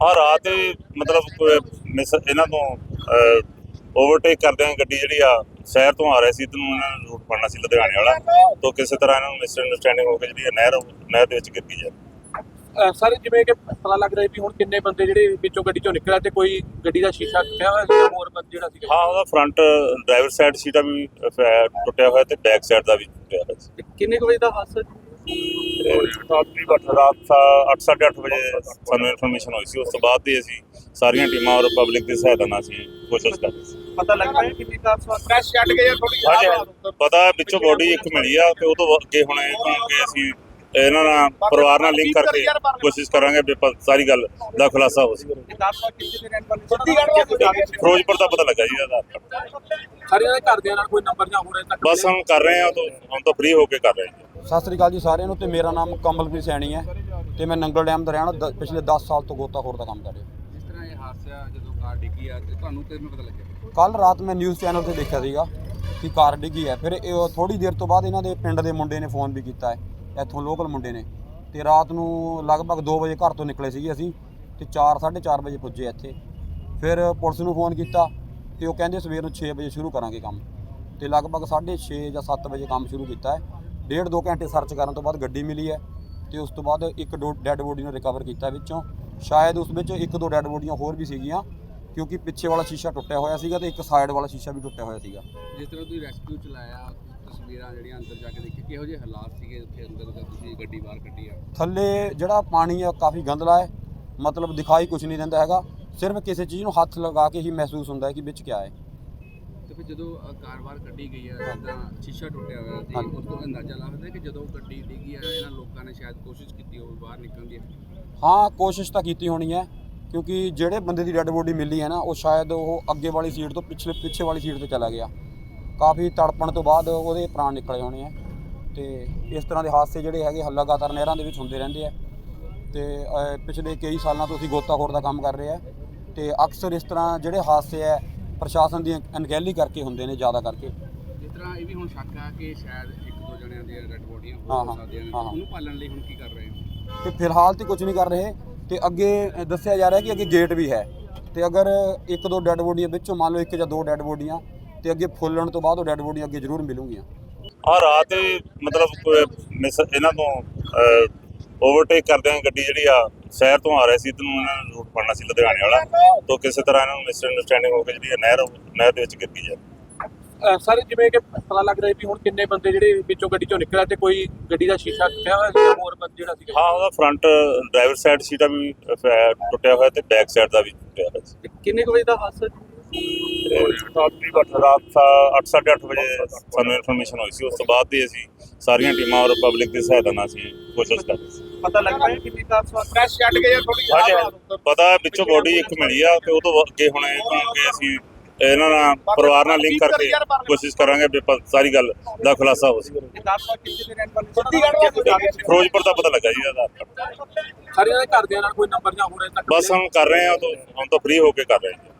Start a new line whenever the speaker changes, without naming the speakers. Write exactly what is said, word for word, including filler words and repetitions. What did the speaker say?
हाँ रात मतलब मिस इन्हों तो ओवरटेक करदे गड्डी जी शहर तो आ रहे सी इधर उन्होंने रूट फड़ना सी लुधियाने वाला तो किसी तरह इन्होंने मिसअंडरस्टैंडिंग हो गई जी नहर नहर के गिर गई है।
सर जिवें कि पता लग रहा है भी हुण किन्ने बंदे ਜਿਹੜੇ ਵਿੱਚੋਂ ਗੱਡੀ ਚੋਂ ਨਿਕਲਿਆ ਤੇ ਕੋਈ ਗੱਡੀ ਦਾ ਸ਼ੀਸ਼ਾ ਟੁੱਟਿਆ ਹੋਇਆ ਸੀ ਹੋਰ ਬੰਦ ਜਿਹੜਾ ਸੀ
हाँ ਉਹਦਾ फ्रंट ड्राइवर साइड सीटा भी टुटिया हुआ ਤੇ बैक साइड ਦਾ ਵੀ ਟੁੱਟਿਆ ਹੋਇਆ ਸੀ।
ਕਿੰਨੇ ਕੁ ਵਜੇ ਦਾ ਹਾਦਸਾ
ਰਾਤ ਅੱਠ ਸਾਢੇ ਅੱਠ ਵਜੇ ਸਾਨੂੰ ਇਨਫੋਰਮੇਸ਼ਨ ਹੋਈ ਸੀ। ਉਸ ਤੋਂ ਬਾਅਦ ਹੀ ਅਸੀਂ ਸਾਰੀਆਂ ਟੀਮਾਂ ਔਰ ਪਬਲਿਕ ਦੀ ਸਹਾਇਤਾ ਨਾਲ ਅਸੀਂ ਕੋਸ਼ਿਸ਼ ਕਰ ਰਹੇ ਸੀ।
ਪਤਾ ਲੱਗ ਰਿਹਾ ਕਿੰਨੀ ਕਾਰ ਸਵਾਰ ਕ੍ਰੈਸ਼ ਛੱਡ ਗਏ ਥੋੜੀ
ਹਾਂਜੀ ਪਤਾ ਵਿੱਚੋਂ ਬੋਡੀ ਇੱਕ ਮਿਲੀ ਆ ਤੇ ਉਹ ਤੋਂ ਅੱਗੇ ਹੁਣ ਕਿ ਅਸੀਂ ਇਹਨਾਂ ਨਾਲ ਪਰਿਵਾਰ ਨਾਲ ਲਿੰਕ ਕਰਕੇ ਕੋਸ਼ਿਸ਼ ਕਰਾਂਗੇ ਵੀ ਸਾਰੀ ਗੱਲ ਦਾ ਖੁਲਾਸਾ ਹੋ ਸਕੇ। ਫਿਰੋਜ਼ਪੁਰ ਦਾ ਪਤਾ ਲੱਗਾ ਜੀ ਇਹਦਾ
ਸਾਰਿਆਂ ਦੇ ਘਰਦਿਆਂ ਨਾਲ ਕੋਈ ਨੰਬਰ ਜਾਂ ਹੋਰ ਤੱਕ
ਬਸ ਹਮ ਕਰ ਰਹੇ ਹਾਂ ਤਾਂ ਹੁਣ ਤਾਂ ਫ੍ਰੀ ਹੋ ਕੇ ਕਰ ਰਹੇ ਹਾਂ।
ਸਤਿ ਸ੍ਰੀ ਅਕਾਲ ਜੀ ਸਾਰਿਆਂ ਨੂੰ। ਤੇ ਮੇਰਾ ਨਾਮ ਕਮਲਪ੍ਰੀਤ ਸੈਣੀ ਹੈ ਤੇ ਮੈਂ ਨੰਗਲ ਡੈਮ ਦਾ ਰਹਿਣ ਵਾਲਾ ਦ- ਪਿਛਲੇ ਦਸ ਸਾਲ ਤੋਂ ਗੋਤਾਖੋਰ ਦਾ ਕੰਮ ਕਰ ਰਿਹਾ।
ਜਿਸ ਤਰ੍ਹਾਂ ਇਹ ਹਾਦਸਾ ਜਦੋਂ ਕਾਰ ਡਿੱਗੀ ਆ ਤੇ ਤੁਹਾਨੂੰ ਕਿਵੇਂ ਪਤਾ ਲੱਗਿਆ?
ਕੱਲ ਰਾਤ ਮੈਂ ਨਿਊਜ਼ ਚੈਨਲ ਤੇ ਦੇਖਿਆ ਸੀਗਾ ਕਿ ਕਾਰ ਡਿੱਗੀ ਹੈ। ਫਿਰ ਇਹ ਥੋੜੀ ਦੇਰ ਤੋਂ ਬਾਅਦ ਇਹਨਾਂ ਦੇ ਪਿੰਡ ਦੇ ਮੁੰਡੇ ਨੇ ਫੋਨ ਵੀ ਕੀਤਾ ਹੈ, ਇੱਥੋਂ ਲੋਕਲ ਮੁੰਡੇ ਨੇ। ਤੇ ਰਾਤ ਨੂੰ ਲਗਭਗ ਦੋ ਵਜੇ ਘਰ ਤੋਂ ਨਿਕਲੇ ਸੀਗੇ ਅਸੀਂ ਤੇ ਚਾਰ ਸਾਢੇ ਚਾਰ ਵਜੇ ਪੁੱਜੇ ਇੱਥੇ। ਫਿਰ ਪੁਲਿਸ ਨੂੰ ਫੋਨ ਕੀਤਾ ਤੇ ਉਹ ਕਹਿੰਦੇ ਸਵੇਰ ਨੂੰ ਛੇ ਵਜੇ ਸ਼ੁਰੂ ਕਰਾਂਗੇ ਕੰਮ। ਤੇ ਲਗਭਗ ਸਾਢੇ ਛੇ ਜਾਂ ਸੱਤ ਵਜੇ ਕੰਮ ਸ਼ੁਰੂ ਕੀਤਾ ਹੈ। ਡੇਢ ਦੋ ਘੰਟੇ ਸਰਚ ਕਰਨ ਤੋਂ ਬਾਅਦ ਗੱਡੀ ਮਿਲੀ ਹੈ ਤੇ ਉਸ ਤੋਂ ਬਾਅਦ ਇੱਕ ਦੋ ਡੈੱਡ ਬੋਡੀ ਨੂੰ ਰਿਕਵਰ ਕੀਤਾ ਵਿੱਚੋਂ। ਸ਼ਾਇਦ ਉਸ ਵਿੱਚ ਇੱਕ ਦੋ ਡੈੱਡ ਬੋਡੀਆਂ ਹੋਰ ਵੀ ਸੀਗੀਆਂ ਕਿਉਂਕਿ ਪਿੱਛੇ ਵਾਲਾ ਸ਼ੀਸ਼ਾ ਟੁੱਟਿਆ ਹੋਇਆ ਸੀਗਾ ਤੇ ਇੱਕ ਸਾਈਡ ਵਾਲਾ ਸ਼ੀਸ਼ਾ ਵੀ ਟੁੱਟਿਆ ਹੋਇਆ ਸੀਗਾ।
ਜਿਸ ਤਰ੍ਹਾਂ ਤੁਸੀਂ ਰੈਸਕਿਊ ਚਲਾਇਆ, ਤਸਵੀਰਾਂ ਜਿਹੜੀਆਂ ਅੰਦਰ ਜਾ ਕੇ ਦੇਖੀ, ਕਿਹੋ ਜਿਹੇ ਹਾਲਾਤ ਸੀਗੇ ਉੱਥੇ ਅੰਦਰ ਜਦੋਂ ਤੁਸੀਂ ਗੱਡੀ ਬਾਹਰ ਕੱਢੀ ਆ?
ਥੱਲੇ ਜਿਹੜਾ ਪਾਣੀ ਆ ਕਾਫੀ ਗੰਦਲਾ ਹੈ, ਮਤਲਬ ਦਿਖਾਈ ਕੁਝ ਨਹੀਂ ਦਿੰਦਾ ਹੈਗਾ। ਸਿਰਫ ਕਿਸੇ ਚੀਜ਼ ਨੂੰ ਹੱਥ ਲਗਾ ਕੇ ਹੀ ਮਹਿਸੂਸ ਹੁੰਦਾ ਹੈ ਕਿ ਵਿੱਚ ਕੀ ਹੈ।
ਤੇ ਫਿਰ ਜਦੋਂ ਅ, ਕਾਰ ਬਾਹਰ ਕੱਢੀ ਗਈ ਆ ਜਿੱਦਾਂ ਸ਼ੀਸ਼ਾ ਟੁੱਟਿਆ ਹੋਇਆ ਸੀ,
ਹਾਂਜੀ।
ਉਸ ਤੋਂ ਅੰਦਾਜ਼ਾ ਲੱਗਦਾ ਕਿ ਜਦੋਂ ਗੱਡੀ ਡਿੱਗੀ ਆ ਇਹਨਾਂ ਲੋਕਾਂ ਨੇ ਸ਼ਾਇਦ ਕੋਸ਼ਿਸ਼ ਕੀਤੀ ਹੋਵੇ ਬਾਹਰ ਨਿਕਲਣ ਦੀ।
ਹਾਂ ਕੋਸ਼ਿਸ਼ ਤਾਂ ਕੀਤੀ ਹੋਣੀ ਹੈ ਕਿਉਂਕਿ ਜਿਹੜੇ ਬੰਦੇ ਦੀ ਡੈੱਡ ਬੋਡੀ ਮਿਲੀ ਹੈ ਨਾ ਉਹ ਸ਼ਾਇਦ ਉਹ ਅੱਗੇ ਵਾਲੀ ਸੀਟ ਤੋਂ ਪਿਛਲੇ ਪਿੱਛੇ ਵਾਲੀ ਸੀਟ ਤੇ ਚਲਾ ਗਿਆ। ਕਾਫੀ ਤੜਪਣ ਤੋਂ ਬਾਅਦ ਉਹਦੇ ਪ੍ਰਾਣ ਨਿਕਲੇ ਹੋਣੇ ਆ। ਤੇ ਇਸ ਤਰ੍ਹਾਂ ਦੇ ਹਾਦਸੇ ਜਿਹੜੇ ਹੈਗੇ ਲਗਾਤਾਰ ਨਹਿਰਾਂ ਦੇ ਵਿੱਚ ਹੁੰਦੇ ਰਹਿੰਦੇ ਆ। ਤੇ ਅ, ਪਿਛਲੇ ਕਈ ਸਾਲਾਂ ਤੋਂ ਅਸੀਂ ਗੋਤਾਖੋਰ ਦਾ ਕੰਮ ਕਰ ਰਹੇ ਆ ਤੇ ਅਕਸਰ ਇਸ ਤਰ੍ਹਾਂ ਜਿਹੜੇ ਹਾਦਸੇ ਆ ਪ੍ਰਸ਼ਾਸਨ ਦੀ ਅਣਗਹਿਲੀ ਕਰਕੇ ਹੁੰਦੇ ਨੇ ਜ਼ਿਆਦਾ ਕਰਕੇ।
ਜਿਸ ਤਰ੍ਹਾਂ ਇਹ ਵੀ ਹੁਣ ਸ਼ੱਕ ਆ ਕਿ ਸ਼ਾਇਦ ਇੱਕ ਦੋ ਜਣਿਆਂ ਦੀਆਂ ਡੈਡ ਬੋਡੀਆਂ
ਹਾਂ,
ਹੋ
ਹਾਂ,
ਸਕਦੀਆਂ ਨੇ,
ਹਾਂ, ਹਾਂ।
ਉਹਨੂੰ ਪਾਲਣ ਲਈ ਹੁਣ ਕੀ ਕਰ ਰਹੇ ਹੋ?
ਤੇ ਫਿਲਹਾਲ ਤੇ ਕੁਝ ਨਹੀਂ ਕਰ ਰਹੇ ਤੇ ਅੱਗੇ ਦੱਸਿਆ ਜਾ ਰਿਹਾ ਕਿ ਅੱਗੇ ਗੇਟ ਵੀ ਹੈ ਤੇ ਅਗਰ ਇੱਕ ਦੋ ਡੈੱਡ ਬੋਡੀਆਂ ਵਿੱਚੋਂ ਮੰਨ ਲਓ ਇੱਕ ਜਾਂ ਦੋ ਡੈੱਡ ਬੋਡੀਆਂ ਤੇ ਅੱਗੇ ਫੁੱਲਣ ਤੋਂ ਬਾਅਦ ਉਹ ਡੈੱਡ ਬੋਡੀਆਂ ਅੱਗੇ ਜ਼ਰੂਰ ਮਿਲੂਗੀਆਂ।
ਹਾਂ ਰਾਤ ਮਤਲਬ ਮਿਸ ਇਹਨਾਂ ਤੋਂ ओवरटेक करदे गड्डी जी शहर तो आ रहे सी इधर उन्होंने रूट फड़ना सी लुधियाने वाला तो किसी तरह इन्होंने मिसअंडरस्टैंडिंग हो गई जी नहर नहर के गिर गई है।
ਸਰ ਜਿਵੇਂ ਕਿ ਪਤਾ ਲੱਗ ਰਿਹਾ ਵੀ ਹੁਣ ਕਿੰਨੇ ਬੰਦੇ ਜਿਹੜੇ ਵਿੱਚੋਂ ਗੱਡੀ ਚੋਂ ਨਿਕਲਿਆ ਤੇ ਕੋਈ ਗੱਡੀ ਦਾ ਸ਼ੀਸ਼ਾ ਟੁੱਟਿਆ ਹੋਇਆ ਸੀ ਹੋਰ ਬੰਦ ਜਿਹੜਾ ਸੀ
हाँ ਉਹਦਾ फ्रंट ड्राइवर साइड सीटा भी टुटिया हुआ ਤੇ बैक साइड ਦਾ ਵੀ ਟੁੱਟਿਆ ਹੋਇਆ ਸੀ।
ਕਿੰਨੇ ਕੁ ਵਜੇ ਦਾ ਹਾਦਸਾ
ਰਾਤ ਅੱਠ ਸਾਢੇ ਅੱਠ ਵਜੇ ਸਾਨੂੰ ਇਨਫੋਰਮੇਸ਼ਨ ਹੋਈ ਸੀ। ਉਸ ਤੋਂ ਬਾਅਦ ਹੀ ਅਸੀਂ ਸਾਰੀਆਂ ਟੀਮਾਂ ਔਰ ਪਬਲਿਕ ਦੀ ਸਹਾਇਤਾ ਨਾਲ ਅਸੀਂ ਕੋਸ਼ਿਸ਼ ਕਰ ਰਹੇ ਸੀ।
ਪਤਾ ਲੱਗ ਰਿਹਾ ਕਿੰਨੀ ਕਾਰ ਸਵਾਰ ਕ੍ਰੈਸ਼ ਛੱਡ ਗਏ ਥੋੜੀ
ਹਾਂਜੀ ਪਤਾ ਵਿੱਚੋਂ ਬੋਡੀ ਇੱਕ ਮਿਲੀ ਆ ਤੇ ਉਹ ਤੋਂ ਅੱਗੇ ਹੁਣ ਕਿ ਅਸੀਂ ਇਹਨਾਂ ਨਾਲ ਪਰਿਵਾਰ ਨਾਲ ਲਿੰਕ ਕਰਕੇ ਕੋਸ਼ਿਸ਼ ਕਰਾਂਗੇ ਵੀ ਸਾਰੀ ਗੱਲ ਦਾ ਖੁਲਾਸਾ ਹੋ ਸਕੇ। ਫਿਰੋਜ਼ਪੁਰ ਦਾ ਪਤਾ ਲੱਗਾ ਜੀ ਇਹਦਾ
ਸਾਰਿਆਂ ਦੇ ਘਰਦਿਆਂ ਨਾਲ ਕੋਈ ਨੰਬਰ ਜਾਂ ਹੋਰ ਤੱਕ
ਬਸ ਹਮ ਕਰ ਰਹੇ ਹਾਂ ਤਾਂ ਹੁਣ ਤਾਂ ਫ੍ਰੀ ਹੋ ਕੇ ਕਰ ਰਹੇ ਹਾਂ।